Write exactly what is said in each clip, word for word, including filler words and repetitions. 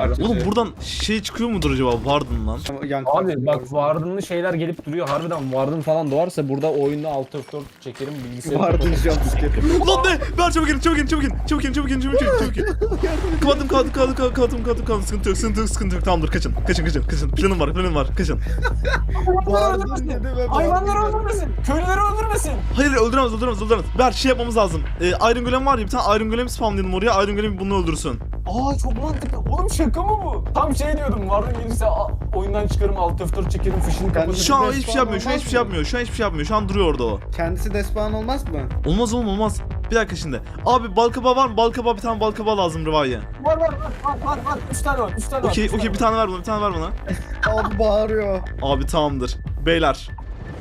abi. Oğlum buradan şey çıkıyor mudur acaba Warden lan? Yan Abi bak Warden'lı şeyler gelip duruyor. Harbiden Warden falan doğarsa burada oyunda alt F dört çekerim bilgisayarı. Vardı jumpscare. Lan ne? Ver çabuk in, çabuk in, çabuk in, çabuk in, çabuk in, çabuk in, çabuk in. Kapattım, kapattım, kapattım, kapattım, kapattım, kapattım, sıkıntı yok, sıkıntı yok, sıkıntı yok. Tamamdır, kaçın, kaçın, kaçın, kaçın. Planım var, planım var, kaçın. Vardı dedi ve Hayvanları öldürmesin. Köylüleri öldürmesin. Hayır, öldüremez, öldüremez, öldüremez. Ver, şey yapmamız lazım. Ee, Iron Golem var ya, bir tane Iron Golem spamlayalım oraya. Iron Golem bunu öldürsün. Aa çok mantıklı. Oğlum şaka mı bu? Tam şey diyordum. Warden gelirse a- oyundan çıkarım alt F dört çekerim fişini kapatırım. Şu an Respawn hiçbir şey yapmıyor, şu an olmaz hiçbir şey mı? yapmıyor, şu an hiçbir şey yapmıyor. Şu an duruyor orada o. Kendisi despawn olmaz mı? Olmaz oğlum, olmaz. Bir dakika şimdi. Abi balkabağı var mı? Balkabağı, bir tane balkabağı lazım Rıva'ya. Var var var var var var. Üç tane var. Üç tane var. Okey, üç okey, tane bir tane ver bana, bir tane ver bana. Abi bağırıyor. Abi tamamdır. Beyler.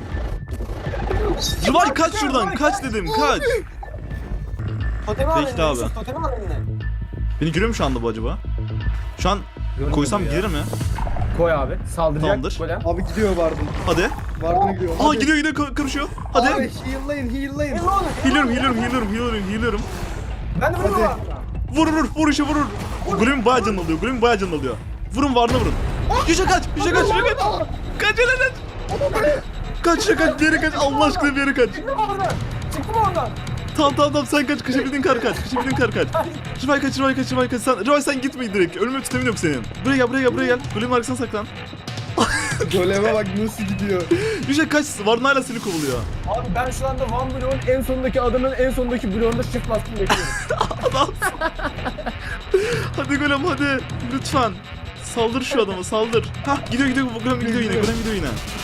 Rıvay kaç şuradan, kaç dedim, kaç. Totemi al Bekle eline, abi. Yusuf, totemi al eline. Beni görüyor mu şu anda bu acaba? Şu an koysam ya. gelir mi? Koy abi. Saldıracak. Tamamdır. Golem. Abi gidiyor Vardı. Hadi. Vardı gidiyor. Aa gidiyor gidiyor ka- karışıyor. Hadi. Abi heal'layın heal'layın. Ne olur? Healer'ım, healer'ım, healer'ım, healer'ım, healer'ım. Ben de vururum Hadi. abi. Vur vur, vur işe vurur. Golem bayağı canlı alıyor, golem bayağı canlı alıyor. Vurun, varına vurun. Yüce kaç, yüce kaç, yüce kaç. Kaç hele kaç. Kaç, yüce kaç, bir yere kaç. Allah aşkına bir yere kaç. Çıktı mı oradan? Çıktı mı oradan? Tamam tamam tamam, sen kaç, kaçabildiğin kar kaç, kaçabildiğin kar kaç. Rıvay kaç, Rıvay kaç, Rıvay kaç. Sen, Rıvay sen gitme direkt. Ölme tütemin yok senin. Buraya gel, buraya gel, buraya gel. Golemin arkasına saklan. Goleme bak nasıl gidiyor. Yüce kaç, varına hala seni kovuluyor. Abi ben şu anda Van Block'un en sondaki adamın en sondaki bloğunda shift bastım bekliyorum. Adam. Hadi golem hadi. Lütfen. Saldır şu adama, saldır. Hah, gidiyor gidiyor, golem gidiyor yine, golem gidiyor yine.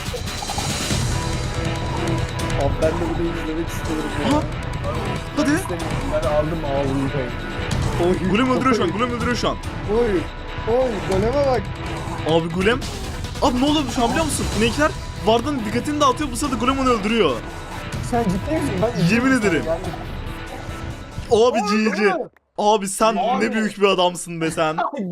Abi ben de bunu izlemek istiyorum ya. Aha. Hadi. Ben aldım ağzını koyayım. Oy. Golem öldürüyor şu an, golem öldürüyor şu an. Oy. Oy goleme bak. Abi golem. Abi ne oluyor şu an biliyor musun? İnekler Varda'nın dikkatini dağıtıyor, bu sırada golem onu öldürüyor. Sen ciddi misin? Ben Yemin izliyorum ederim. seni yani. Abi Oy, G G. golem. Abi sen Abi. ne büyük bir adamsın be sen.